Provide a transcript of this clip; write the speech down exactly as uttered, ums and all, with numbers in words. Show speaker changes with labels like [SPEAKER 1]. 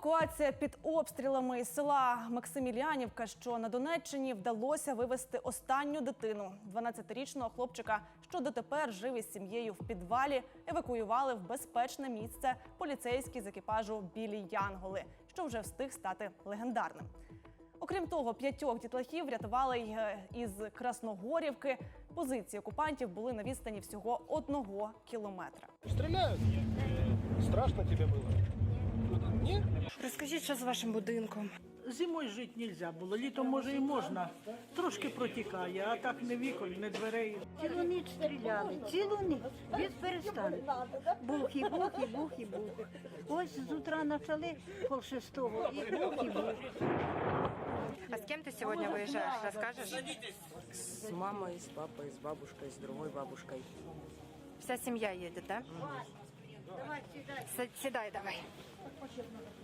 [SPEAKER 1] Евакуація під обстрілами із села Максимілянівка, що на Донеччині, вдалося вивезти останню дитину. дванадцятирічного хлопчика, що дотепер жив із сім'єю в підвалі, евакуювали в безпечне місце поліцейські з екіпажу «Білі Янголи», що вже встиг стати легендарним. Окрім того, п'ятьох дітлахів врятували й із Красногорівки. Позиції окупантів були на відстані всього одного кілометра.
[SPEAKER 2] Стріляють? Страшно тобі було? Ні?
[SPEAKER 3] Розкажіть, що з вашим будинком?
[SPEAKER 4] Зимою жити не можна було, літом може і можна. Трошки протікає, а так не вікон, не дверей.
[SPEAKER 5] Цілу ніч стріляли, цілу ніч, без перестанку. Бух і бух, і бух, і бух. Ось з утра почали пол шестого, і бух, і бух.
[SPEAKER 3] А с кем ты сегодня выезжаешь? Расскажешь?
[SPEAKER 6] С мамой, с папой, с бабушкой, с другой бабушкой.
[SPEAKER 3] Вся семья едет, да? С- Седай давай.